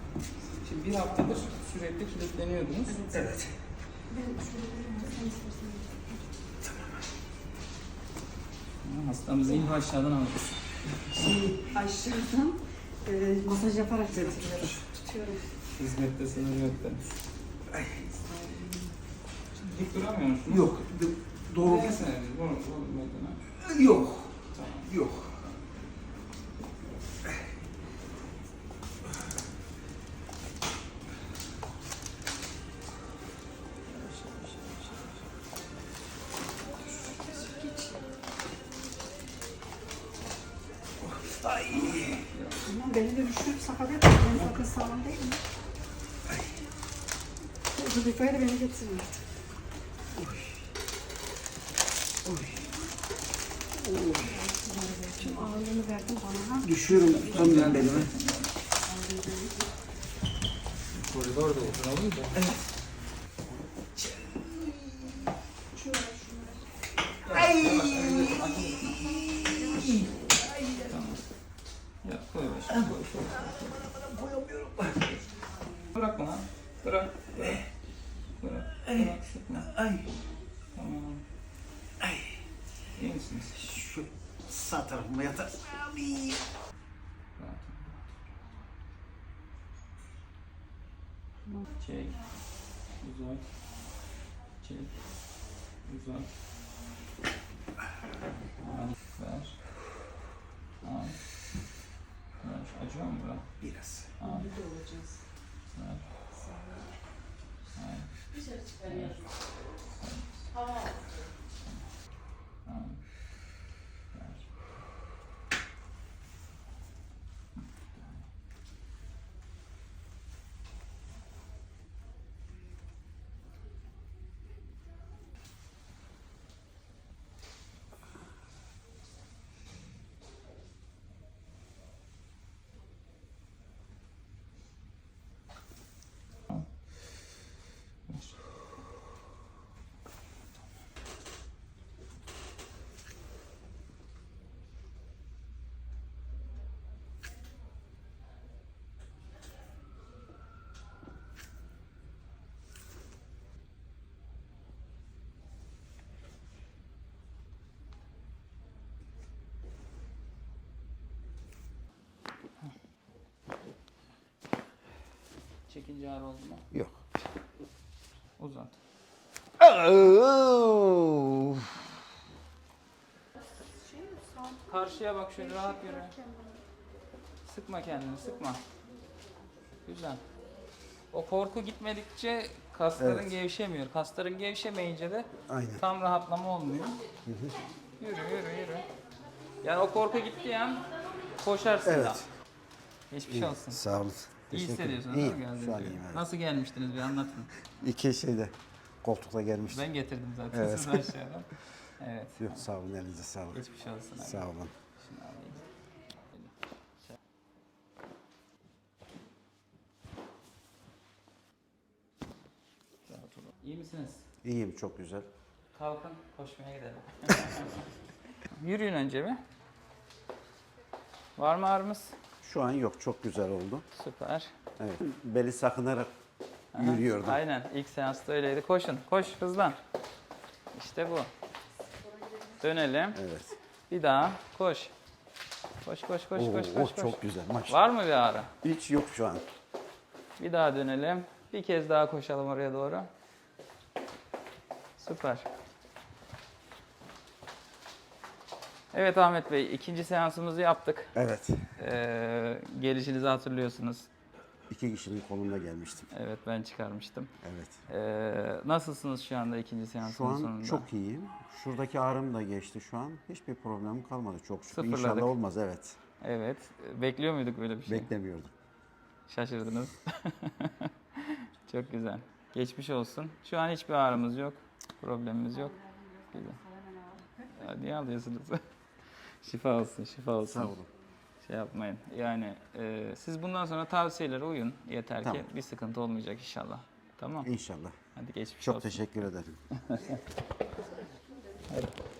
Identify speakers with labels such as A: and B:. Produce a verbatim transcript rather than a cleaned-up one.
A: Şimdi bir haftadır sürekli kilitleniyordunuz.
B: Evet.
A: Tamam. Hastamızı ilk aşağıdan alırız.
C: Şey, aşağıdan e, masaj yaparak götürüyorum. Tutuyorum.
A: Hizmette sınır yok da. Dik duramıyor musunuz?
B: Yok. Doğru.
A: Neyse, bu, bu metana.
B: Yok.
A: Tamam.
B: Yok. Ay.
C: Tamam, beni de düşürüp sakat etme. Ben zaten sağlam değilim. Zülfika'ya da beni getirin artık.
B: Oy. Oy.
C: Tüm ağırlığını verdim bana.
B: Düşüyorum, tutamıyorum belimi.
A: Koridor da uzun olunca.
B: Evet.
A: Ay. Tamam. Ya koy başına, koy, koy.
B: Koyamıyorum.
A: Bırak bana. Bırak. Bırak. Bırak. Bırak. Sıkma.
B: Ay.
A: Tamam.
B: Ay.
A: İyi misiniz?
B: Şu sağ tarafıma yatar. Ay.
A: Rahat. Çek. Uzat. Çek. Uzat. Al. Ver. Al. Ver. Acıyor mu bura?
B: Biraz.
A: Al.
C: Burada olacağız.
A: Ver. Al.
C: Dışarı çıkarıyorum.
A: Al. Ver. Çekince ağrı oldu mu?
B: Yok.
A: Uzat. Karşıya bak şöyle rahat yürü. Sıkma kendini, sıkma. Güzel. O korku gitmedikçe kasların
B: Evet.
A: gevşemiyor. Kasların gevşemeyince de
B: Aynen.
A: tam rahatlama olmuyor. Yürü, yürü, yürü. Yani o korku gittiği an koşarsın
B: Evet.
A: da. Geçmiş
B: İyi,
A: olsun.
B: sağ olun.
A: İyi
B: Teşekkür
A: hissediyorsunuz
B: ederim.
A: değil mi?
B: İyiyim, şu an
A: Geldiğinizde?
B: iyiyim, evet.
A: Nasıl gelmiştiniz bir anlatın.
B: İki şeyde koltukta gelmiştim.
A: Ben getirdim zaten
B: Evet.
A: sizi aşağıdan. Evet.
B: Yok sağ olun, elinize sağlık.
A: Geçmiş olsun. abi.
B: Sağ olun.
A: Şunu alayım. Rahat olun. İyi misiniz?
B: İyiyim, çok güzel.
A: Kalkın, koşmaya gidelim. Yürüyün önce bir. Var mı ağrımız?
B: Şu an yok, çok güzel oldu.
A: Süper.
B: Evet. Beli sakınarak
A: Aha,
B: yürüyordum.
A: Aynen, ilk seansta öyleydi. Koşun, koş, hızlan. İşte bu. Dönelim.
B: Evet.
A: Bir daha, koş. Koş, koş, koş,
B: Oo,
A: koş,
B: oh,
A: koş, koş.
B: çok güzel maşallah.
A: Var mı bir ağrı?
B: Hiç yok şu an.
A: Bir daha dönelim. Bir kez daha koşalım oraya doğru. Süper. Evet Ahmet Bey, ikinci seansımızı yaptık.
B: Evet.
A: Ee, gelişinizi hatırlıyorsunuz.
B: İki kişinin kolunda gelmiştim.
A: Evet, ben çıkarmıştım.
B: Evet.
A: Ee, nasılsınız şu anda ikinci seansın
B: Şu an
A: sonunda?
B: çok iyiyim. Şuradaki ağrım da geçti şu an. Hiçbir problemim kalmadı çok şükür.
A: Sıfırladık.
B: İnşallah olmaz, evet.
A: Evet. Bekliyor muyduk böyle bir şey?
B: Beklemiyordum.
A: Şaşırdınız. Çok güzel. Geçmiş olsun. Şu an hiçbir ağrımız yok. Problemimiz yok. Güzel. Ya, niye alıyorsunuz? Şifa olsun, şifa olsun.
B: Sağ olun.
A: Şey yapmayın. Yani e, siz bundan sonra tavsiyelere uyun. Yeter
B: Tamam.
A: ki bir sıkıntı olmayacak inşallah. Tamam.
B: İnşallah.
A: Hadi geçmiş
B: Çok
A: olsun.
B: teşekkür ederim.
A: Hadi.